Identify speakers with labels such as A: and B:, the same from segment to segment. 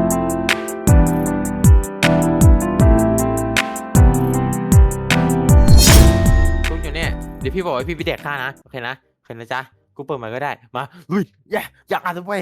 A: ทุกอยู่เนี่ยเดี๋ยวพี่บอกว่าพี่ไปแดกข้านะโอเคนะโอเคนะจ๊ะกูเปิดมันก็ได้มาลุยอยากอ่านด้วย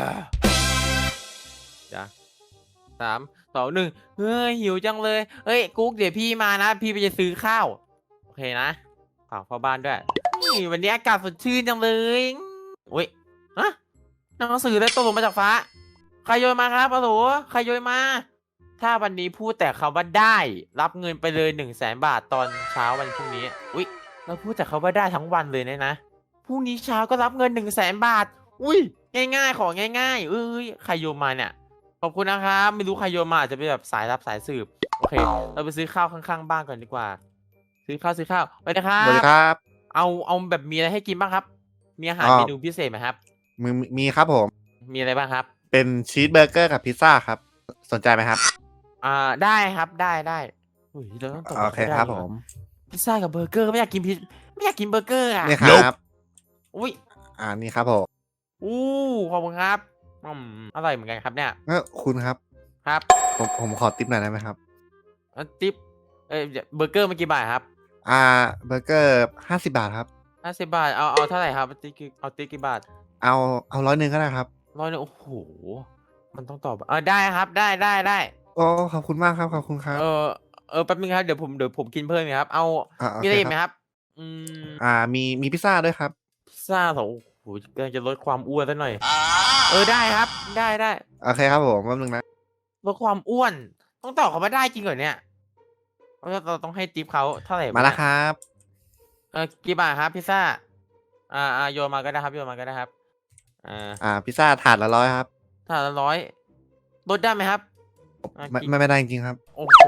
A: จ้ะ3 2 1เฮ้ยหิวจังเลยเฮ้ยกุ๊กเดี๋ยวพี่มานะพี่ไปจะซื้อข้าวโอเคนะฝากพ่อบ้านด้วยนี่วันนี้อากาศสดชื่นจังเลยอุ้ยฮะหนังสือได้ตกลงมาจากฟ้าใครโยนมาครับฮัลโหลใครโยนมาถ้าวันนี้พูดแต่คำว่าได้รับเงินไปเลย100,000 บาทตอนเช้าวันพรุ่งนี้อุ้ยเราพูดแต่คำว่าได้ทั้งวันเลยนะพรุ่งนี้เช้าก็รับเงิน100,000 บาทอุ้ยง่ายๆของง่ายๆเอ้ยใครโยนมาเนี่ยขอบคุณนะครับไม่รู้ใครโยนมาอาจจะเป็นแบบสายรับสายสืบโอเคเราไปซื้อข้าวข้างๆบ้านก่อนดีกว่าซื้อข้าวไปนะครั
B: สวัสดี
A: บ
B: ครับ
A: เอาแบบมีอะไรให้กินบ้างครับมีอาหาร
B: อ๋อ
A: เมนูพิเศษไหมครับ
B: มีครับผม
A: มีอะไรบ้างครับ
B: เป็นชีสเบอร์เกอร์กับพิซซ่าครับ สนใจไหมครับ
A: ได้ครับได้อุ้ยเราต้องตก
B: โอเคครับผม
A: พิซซ่ากับเบอร์เกอร์ไม่อยากกินไม่อยากกินเบอร์เกอร์อ่ะ
B: นี่ครับ
A: อุ้ย
B: นี่ครับผม
A: อู้ขอบคุณครับอร่อยเหมือนกันครับเนี่ย
B: คุณครับ
A: ครับ
B: ผมขอติปหน่อยได้ไหมครับ
A: ติ๊บเบอร์เกอร์เมื่อกี่บาทครับ
B: เบอร์เกอร์50 บาทครับ
A: 50 บาทเอาเท่าไหร่ครับติ๊กกี่บาท
B: เอา100ก็ได้ครับ
A: 100โอ้โหมันต้องตอบได้ครับได้
B: โอ้ขอบคุณมากครับ ขอบคุณครับ
A: แป๊บนึงครับเดี๋ยวผมกินเพิ่มครับเอา
B: โอ
A: มีอะไรอีกไหม
B: เคครับ
A: ครับ
B: มีพิซซ่าด้วยครับ
A: พิซซ่าโอ้โหกำลังจะลดความอ้วนซะหน่อยได้ครับได้
B: โอเคครับผมแป๊บนึงนะ
A: ลดความอ้วนต้องตอบเขามาได้จริงเหรอเนี่ยเราต้องให้ทิปเขาเท่าไหร่
B: มาแล้วครับ
A: กี่บาทครับพิซซ่าโยนมาก็ได้ครับโยนมาก็ได้ครับ
B: พิซซ่าถาดละ100ครับ
A: ถ้าละ100ลดได้ไหมครับ
B: ไม่ได้จริงๆครับ
A: โอ้โห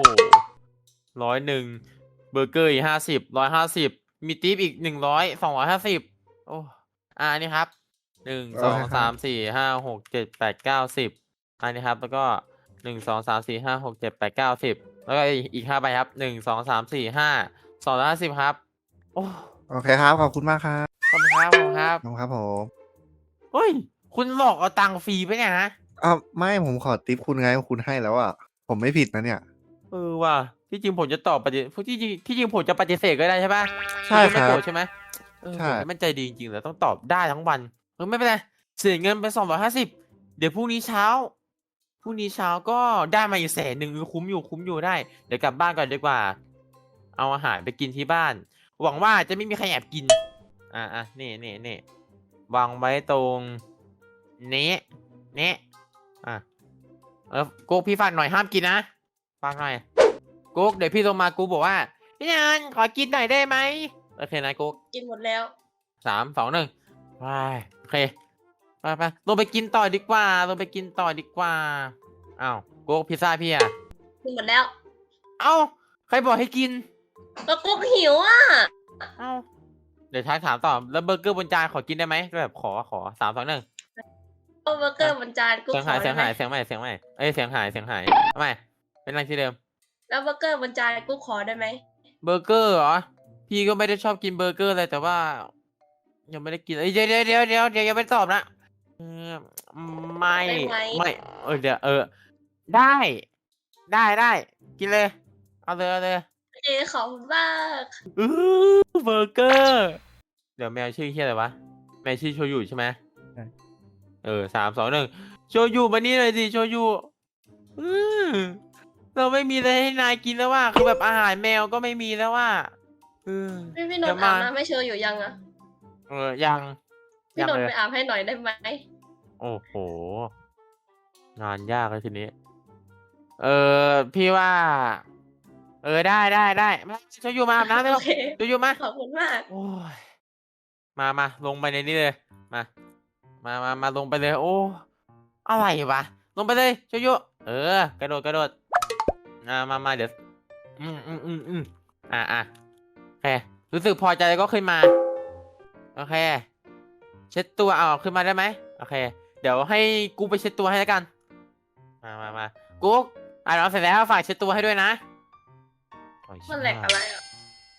A: 101เบอร์เกอร์อีก50 150มีทิปอีก100 250โอ้อันนี้ครับ1 2 3 4 5 6 7 8 9 10อันนี้ครับแล้วก็1 2 3 4 5 6 7 8 9 10แล้วก็อีก5 ใบครับ1 2 3 4 5 250ครับโอ้
B: โอเคครับ ขอบคุณมากครับ
A: ขอบคุณครับ
B: ขอบคุณครับผม
A: เฮ้ยคุณหลอกเอาตังค์ฟรีไปเนี่ยนะ
B: ไม่ผมขอติปคุณไงคุณให้แล้วผมไม่ผิดนะเนี่ย
A: ว่ะที่จริงผมจะตอบปฏิที่จริงผมจะปฏิเสธก็ได้ใช่ปะ
B: ใช่ครับ
A: ไม่โกรธใช่ไหม
B: ใช่
A: ผมมันใจดีจริงๆเลยต้องตอบได้ทั้งวันไม่เป็นไรเสียเงินไป250เดี๋ยวพรุ่งนี้เช้าก็ได้มาอีก100,000คุ้มอยู่ได้เดี๋ยวกลับบ้านก่อนดีกว่าเอาอาหารไปกินที่บ้านหวังว่าจะไม่มีใครแอบกินนี่วางไว้ตรงนี้โก๊กพี่ฝากหน่อยห้ามกินนะฝากหน่อยโก๊กเดี๋ยวพี่ลงมากูบอกว่าพี่นันขอกินหน่อยได้ไหมโอเคนะโก๊ก
C: กินหมดแล้ว
A: 3 2 1ไปโอเคไปลงไปกินต่อดีกว่าอ้าวโก๊กพิซซ่าพี่
C: กินหมดแล้ว
A: เอ้าใครบอกให้กิน
C: ก็กุ๊กหิว
A: เอ้าเดี๋ยวถามต่อแล้วเบอร์เกอร์บนจานขอกินได้ไหมแบบขอ3 2 1
C: เบอร์เกอร์บนจานกุ๊กขอได้ไหม
A: เสียงใหม่เสียงหายทำไมเป็นอะไรที่เดิม
C: แล้วเบอร์เกอร์บนจานกุ๊กขอได้ไหม
A: เบอร์เกอร์เหรอพี่ก็ไม่ได้ชอบกินเบอร์เกอร์เลยแต่ว่ายังไม่ได้กินเดี๋ยวยังไม่ตอบนะไม่เดี๋ยวได้กินเลยเอาเลย
C: ขอบคุณมาก
A: เบอร์เกอร์เดี๋ยวแมวชื่ออะไรวะแมวชื่อโชยุใช่ไหม3 2 1โชยุมานี่เลยสิโชยุเราไม่มีอะไรให้นายกินแล้วว่าคือแบบอาหารแมวก็ไม่มีแล้วว่า
C: พี่นนท์อาบน้ำไม่เชยอยู่ยัง
A: ยัง
C: พี่นนท์ไปอาบให้หน่อยได้ไหม
A: โอ้โหงานยากเลยทีนี้พี่ว่าได้มาโชยุมาอาบน้ำเลยโชยุมา
C: ขอบคุณมาก
A: โอ้ยมาลงไปในนี้เลยมาลงไปเลยโอ้อะไรวะลงไปเลยโชยุกระโดดมาเดี๋ยวโอเครู้สึกพอใจก็ขึ้นมาโอเคเช็ดตัวขึ้นมาได้ไหมโอเคเดี๋ยวให้กูไปเช็ดตัวให้แล้วกันมากูเราเสร็จแล้วฝากเช็ดตัวให้ด้วยนะ
C: มันแหลกอะไร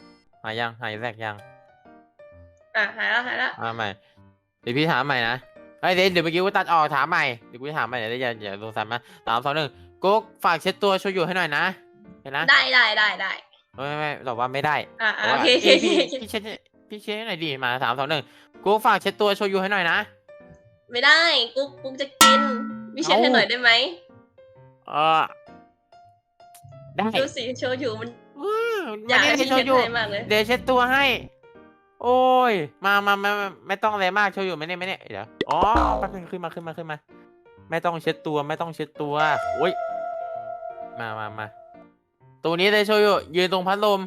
A: หายแหลกยัง
C: หายแล้ว
A: มาใหม่เดี๋ยวพี่ถามใหม่นะเฮ้ยเดี๋ยวเมื่อกี้กูตัดออกถามใหม่เดี๋ยวกูจะถามใหม่เดี๋ยวอย่าสงสัยมา3 2 1กุ๊กฝากเช็ดตัวโชยุให้หน่อยนะเห็นนะ
C: ได้
A: ไม่ตอบว่าไม่ได้
C: โอ
A: ว่า
C: เค
A: พี่เช็ดให้หน่อยดิมา3 2 1กุ๊กฝากเช็ดตัวโชยุให้หน่อยนะ
C: ไม่ได้กุ๊กจะกินวิเช็ดให้หน่อยได้ไหม
A: เออได้
C: ดูสิโชยุมัน
A: อื้อ
C: อยาก
A: ไม่
C: ให้
A: ได้
C: พี่
A: โช
C: เช็ด
A: ยุ
C: ให้มากเลย
A: เดี๋ยวเช็ดตัวให้ โอ้ยมาไม่ต้องอะไรมากโชยุไม่เนี่ยเดี๋ยวอ๋อแป๊บนึงขึ้นมาไม่ต้องเช็ดตัวโอ้ยมาตัวนี้เลยโชยุยืนตรงพัดลม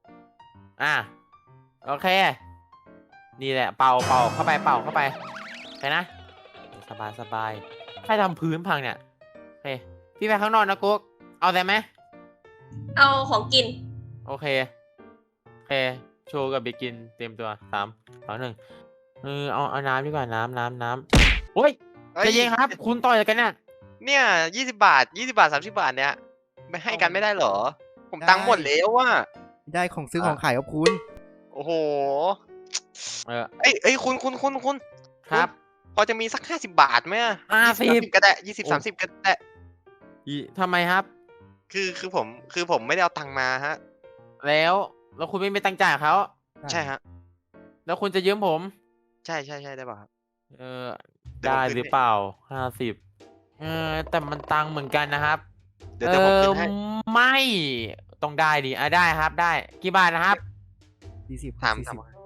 A: โอเคนี่แหละเป่าเข้าไปไปนะสบายใครทำพื้นพังเนี่ยโอเคพี่ไปข้างนอกนะกุ๊กเอาได้ไหม
C: เอาของกิน
A: โอเคโชว์กับเบกินเตรียมตัว3 2 1เอาน้ำดีกว่าน้ำโอ้ยใจเย็นครับ คุณต่อยกันเนี่ย
D: เนี่ย20 บาท30 บาทเนี่ยไม่ให้กันไม่ได้เหรอ ผมตังค์หมดแล้วว่ะ
B: ได้ของซื้อของขายกับคุณ
D: โอ้โห
A: เออ
D: เอ้ยคุณ
A: ครับ
D: พอจะมีสัก50 บาทไหมอะ
A: 50
D: ก็ได้20 30ก็ได้
A: ทำไมครับ
D: คือผมไม่ได้เอาตังค์มาฮะ
A: แล้วคุณไม่มีตังค์จ่ายเขา
D: ใช่ฮะ
A: แล้วคุณจะยืมผม
D: ใช่ได้ป่ะครับ
A: เออ
D: เดี๋ยว
A: ได้
D: ผมขึ้น
A: หรือเปล่า50แต่มันตังค์เหมือนกันนะครับ
D: เดี๋ยวผมขึ้นให้
A: ไม่ต้องได้ดิได้ครับได้กี่บาทนะครับ
B: 40
D: ถาม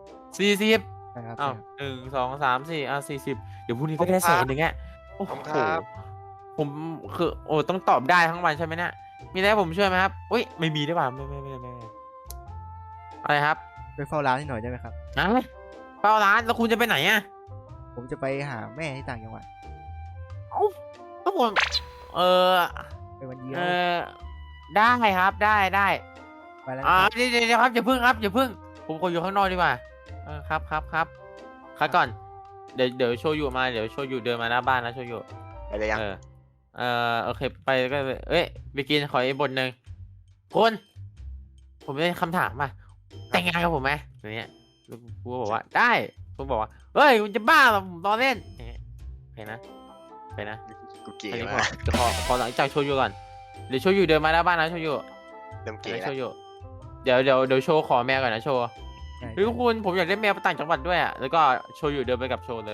A: 40
B: นะครับ
A: อ้าว1 2 3 4 40เดี๋ยวพรุ่งนี้ก็ได้
D: ขอบคุณครับ
A: 100,000อ่ะโอ้
D: ขอบ
A: โห
D: คุณครับ
A: ผมคือต้องตอบได้ทั้งวันใช่ไหมเนี่ยมีอะไรให้ผมช่วยไหมครับอุ้ยไม่มีได้ป่ะไม่อะไรครับ
B: ไปเฝ้าร้านให้หน่อยได้ไหมครับ
A: เป้าร้านแล้วคุณจะไปไหนอ่ะ
B: ผมจะไปหาแม่ที่ต่างจังหวัด
A: เอ้าแล้วผม
B: ไปวันเดียว
A: ได้ครับได้
B: ไปแล้วนะครับ
A: เดี๋ยวครับอย่าพึ่งผมขออยู่ข้างนอกดีกว่าครับก่อนเดี๋ยวโชยุมาเดี๋ยวโชยุเดินมาหน้าบ้านนะโชยุ
D: ไปเลยยัง
A: โอเคไปก็ไปกินขออีกบทหนึ่งคุณผมได้คำถามมาแต่งงานกับผมไหมอย่างเงี้ยกูก็บอกว่าได้คุณบอกว่าเฮ้ยคุณจะบ้าเหรอผมล้อเล่นอย่างเงี้ยโอเคนะ
D: กูเก๋
A: อันนี้
D: มาก
A: พอหลังจากโชยุก่อนเดี๋ยวโชยุเดินมาหน้าบ้านนะโชยุ
D: เริ่มเก๋
A: โช
D: แล้ว
A: ยุเดี๋ยวโชว์ขอแมวก่อนนะโชว์
B: ใช่
A: เฮ้ยคุณผมอยากได้แมวไปต่างจังหวัดด้วยอ่ะแล้วก็โชยุเดินไปกับโชว์เลย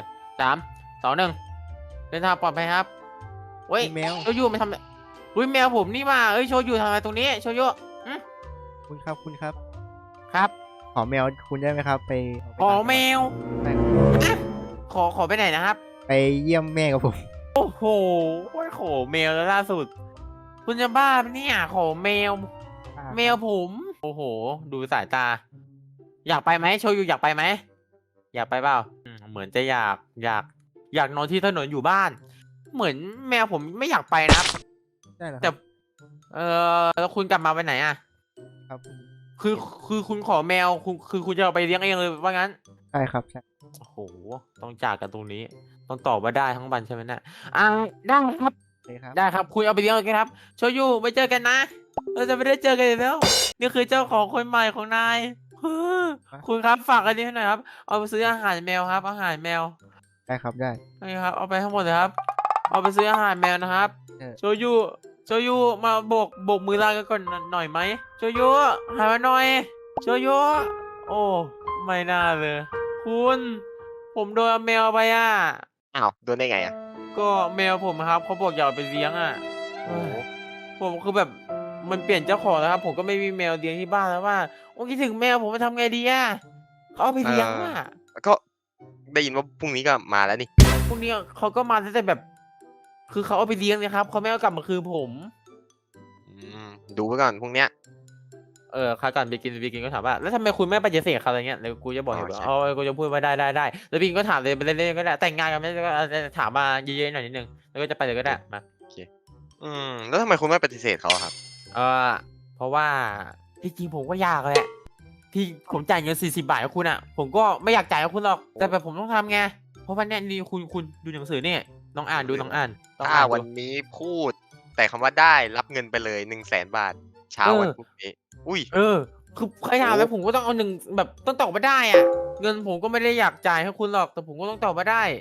A: 3 2 1เดินทางปลอดภัยครับเฮ้ย
B: มีแมว
A: โชยุไม่ทำอุ้ยแมวผมนี่มาโชยุทำอะไรตรงนี้โชยุ
B: คุณครับ
A: ครับ
B: ขอแมวคุณได้ไหมครับ ไป
A: ขอแมว
B: ไปครับ
A: ขอไปไหนนะครับ
B: ไปเยี่ยมแม่กับผม
A: โอ้โหขอแมวแล้วล่าสุด คุณจะบ้าปะเนี่ยขอแมวผมโอ้โห ดูสายตา อยากไปไหมโชยุอยากไปไหมอยากไปเปล่าเหมือนจะอยากนอนที่ถนนอยู่บ้าน เหมือนแมวผมไม่อยากไปนะครับ
B: ได้เหรอค
A: แต่
B: รับ
A: แล้วคุณกลับมาไปไหนอ่ะ
B: ครับ
A: คือคุณขอแมวคุณจะเอาไปเลี้ยงเองเลยว่างั้น
B: ใช่ครับใช่
A: โอ้โหต้องจากกันตรงนี้ ต้องตอบว่าได้ทั้งวันใช่ไหมเนี่ยได้ครับ
B: เลยครับ
A: ได้ครับคุณเอาไปเลี้ยงเลยครับโชยุไปเจอกันนะเราจะไม่ได้เจอกันอีกแล้วนี่คือเจ้าของคนใหม่ของนายคุณครับฝากอันนี้ให้หน่อยครับเอาไปซื้ออาหารแมวครับอาหารแมว
B: ได้ครับได้
A: นี่ครับเอาไปทั้งหมดเลยครับ เอาไปซื้ออาหารแมวนะครับ โชยุมาโบกมือลากันก่อนหน่อยไหมโชยุหายมาหน่อยโชยุโอ้ไม่น่าเลย คุณผมโดนเอาแมวไปอ่ะ
D: อ้าวโดนได้ไงอ่ะ
A: ก็แมวผมครับเขาบอกอยากเอาไปเลี้ยงอ่ะ
D: โอ้โห
A: ผมคือแบบมันเปลี่ยนเจ้าของแล้วครับ ผมก็ไม่มีแมวเลี้ยงที่บ้านแล้วว่าโอ้คิดถึงแมวผมจะทำไงดีอ่ะเขาเอาไปเลี้ยงอ่ะ
D: ก็ได้ยินว่าพรุ่งนี้ก็มาแล้วนี่
A: พวกนี้เขาก็มาแต่แบบ คือเขาเอาไปเลี้ยงเลยครับเขาไม่เอากลับมาคืนผม
D: ดูไว้ก่อนพรุ่งเนี้ย
A: คากันไปกินก็ถามว่าแล้วทำไมคุณไม่ปฏิเสธเขาอะไรเงี้ยเดี๋ยวกูจะบอกเหตุผล
D: ใช่
A: กูจะพูดว่าได้แล้วบินก็ถามเลยไปเล่นๆก็ได้แต่งงานกันไม่ได้ก็ถามมาเยอะๆหน่อยนิดนึงแล้วก็จะไปเลยก็ได้มา
D: แล้วทำไมคุณไม่ปฏิเสธเขาอะครับ
A: เพราะว่าที่จริงผมก็อยากแหละที่ผมจ่ายเงิน40 บาทให้คุณอ่ะ ผมก็ไม่อยากจ่ายให้คุณหรอกแต่แบบผมต้องทำไงเพราะวันนี้นี่คุณดูหนังสือเนี่ยลองอ่านดู
D: ถ้าวันนี้พูด แต่คำว่าได้รับเงินไปเลย100,000 บาท เช้าวันพรุ่งนี้ อุ้ย
A: คือใครถามแล้วผมก็ต้องเอา1แบบต้องตอบมาได้อ่ะเงินผมก็ไม่ได้อยากจ่ายให้คุณหรอกแต่ผมก็ต้องตอบมาได้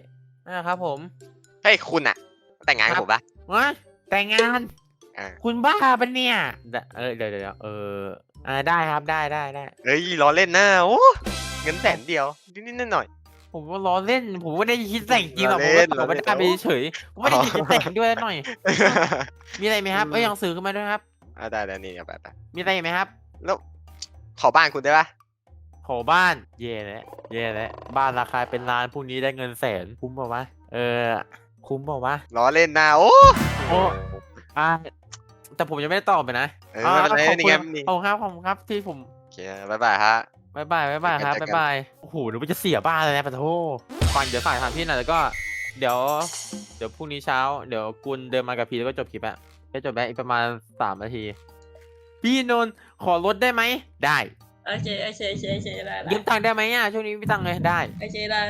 A: นะครับผม
D: เฮ้ยคุณอะแต่งงานกับผมปะ
A: วะแต่งงาน
D: อ่า
A: คุณบ้าปะเนี่ยเดี๋ยวได้ครับได้
D: เฮ้ยล้อเล่นนะโอ้เงินแสนเดียวนิดๆหน่อย
A: ผมก็ล้อเล่น ผมไม่ได้คิดแต่งจริงหรอก
D: ล้
A: ผ
D: อ
A: ม
D: เล่
A: ก็
D: น
A: ตอบไม่
D: ล้อเล่น
A: ได้ไปเฉยผมไม่ได้คิดจะแต่งด้วยหน่อย
D: ๆ
A: มีอะไรไหมครับหนังสือขึ้นมาด้วยครับ
D: ได้นี่เอาไป
A: มีอะไรอีกไหมครับ
D: แล้วขอบ้านคุณได้ปะ
A: โหบ้าน เย่แล้วบ้านราคาเป็นล้านพรุ่งนี้ได้เงินแสนคุ้มเปล่าวะคุ้มเปล่าวะ
D: ล้อเล่นนะโอ้
A: โอ้อ่าแต่ผมยังไม่ได้ตอบไปนะ
D: ไม่เป็นไร
A: ขอบ
D: นี่
A: คุ
D: ไง
A: ณ
D: นี่
A: ขอบคุณครับที่ผม
D: โอเคบ๊ายบายฮะ
A: บ๊ายบายครับ
D: เจอกัน
A: บ๊ายบายโอ้โหหนูจะเสียบ้านเลยนะปะโทฟังเดี๋ยวฝากถามพี่หน่อยแล้วก็ เดี๋ยวพรุ่งนี้เช้าเดี๋ยวกุลเดินมากับพี่แล้วก็จบคลิปอะจะจบแล้วอีกประมาณ3 นาที พี่นนท์ขอลดได้ไหมได้
C: โอเคได้
A: ยืมตังค์ได้ไหมอ่ะช่วงนี้ไม่มีตังค์เลยได้
C: โอเคได้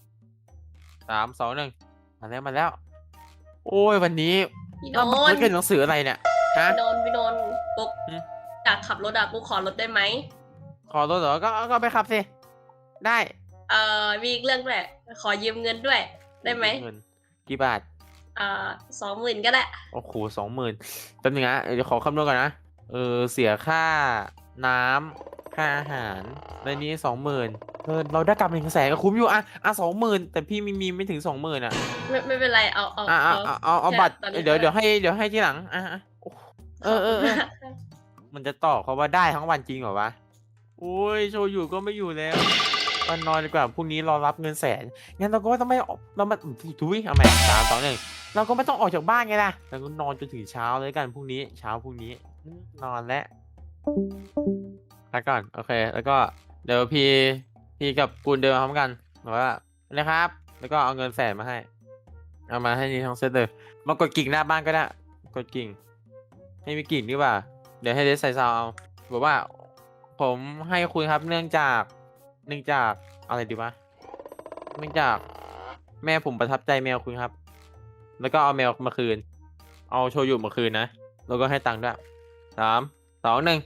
A: 3 2 1มาแล้ว โอ้ยวันนี้
C: พี่น
A: เรา
C: น
A: ไม่
C: ท์
A: เกินหนังสืออะไรเนี่ยฮะ
C: พี่นนท์ปุ๊ก
A: อืม
C: อยากขับรถอะปุ๊กขอรถได้ไหม
A: ขอลดเหรอก็ไปขับสิได้
C: มีอีกเรื่องด้วยขอยืมเงินด้วย ได้ไหม
A: เงินกี่บาท
C: 20,000ก็ได้
A: โอ้โห20,000แป๊บนึงนะเดี๋ยวขอคำนวณก่อนนะเสียค่าน้ำค่าอาหารในนี้20,000เราได้กลับ100,000ก็คุ้มอยู่อ่ะ20,000แต่พี่มีไม่ถึง20,000อ่ะ
C: ไม่เป็นไรเอา
A: เอาบัตร
C: ตอนนี้
A: เดี๋ยวให้ทีหลังโอ้มันจะต่อเขาว่าได้ทั้งวันจริงเหรอวะโอ้ยโชยุก็ไม่อยู่แล้ววันนอนดีกว่าพรุ่งนี้รอรับเงินแสนงั้นเราก็ต้องไม่ออกเรามาทุยเอาใหม่3 2 1เราก็ไม่ต้องออกจากบ้านไงล่ะเราก็นอนจนถึงเช้าเลยกันพรุ่งนี้นอนแล้วพักก่อนโอเคแล้วก็เดี๋ยวพี่กับกุลเดินมาพร้อมกันบอกว่านะครับ แล้วก็เอาเงิน100,000มาให้เอามาให้นี่ทั้งเซตเลยมากดกิ่งหน้าบ้านก็ได้กดกิ่งให้มีกิ่งดีกว่าเดี๋ยวให้เดซใส่ซาวเอาบอกว่า ผมให้คุณครับเนื่องจากอะไรดีวะเนื่องจากแม่ผมประทับใจแมวคุณครับ แล้วก็เอาแมวมาคืน เอาโชยุมาคืนนะแล้วก็ให้ตังค์ด้วย3 2 1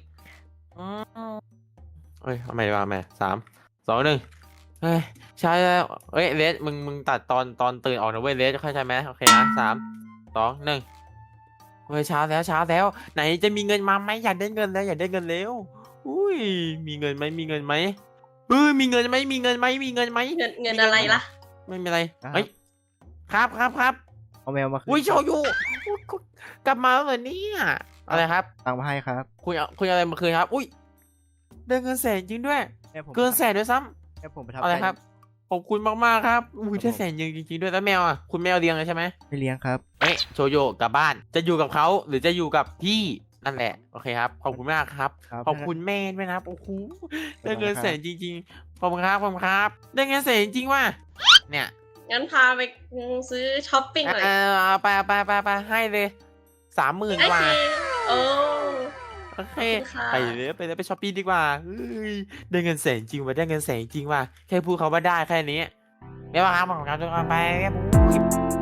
A: เอ้ยเอาใหม่ดีกว่าแม่3 2 1เฮ้ยใช่แล้วเลสมึงตัดตอนตื่นออกนะเว้ยเลสเข้าใจไหมโอเคนะ3 2 1เฮ้ยเช้าแล้วไหนจะมีเงินมาไหมอยากได้เงินแล้วอุ้ยมีเงินไหมมีเงินไหมมีเงินไหมเงิน
C: อะไรล่ะ
A: ไม่มีอะไรเฮ้ยครับ
B: เอาแมวมาคืน
A: อุ้ยโชยุกลับมาแล้วเหรอเนี่ยอะไรครับ
B: ตังค์มาให้ครับ
A: คุยอะไรมาคืนครับ อุ้ยได้เงิน100,000จริงด้วย
B: แม่ผม
A: เกิน100,000ด้วยซ้
B: แม่ผมประทับ
A: ำอะไร
B: ใจ
A: ครับขอบคุณมากๆครับอุ้ย
B: ครั
A: ได้
B: บผม
A: 100,000จริงด้วยแล้วแมวอ่ะคุณแมวเลี้ยงเลยใช่ไหม
B: ไม่เลี้ยงครับ
A: โชยุกลับบ้านจะอยู่กับเขาหรือจะอยู่กับพี่นั่นแหละโอเคครับขอบคุณมากครับ
B: ครับ
A: ขอบคุณแม่ด้วยนะครับโอ้โหได้เงิน
B: ไม่เป็นไรครับ
A: 100,000จริงๆขอบคุณครับได้เงิน100,000จริงๆว่ะเนี่ย
C: งั้นพาไปซื้อช้อปปิ้งหน่อย
A: เอาไปให้เลย30,000
C: โอก
A: ว่า
C: เคโอ้
A: โอเค
C: ขอบคุณค่ะ
A: ไปช้อปปิ้งดีกว่าเฮ้ยได้เงิน100,000จริงว่ะได้เงิน100,000จริงว่ะแค่พูดเขาว่าได้แค่นี้ไม่ว่าครับผมครับทุกคนไปครับ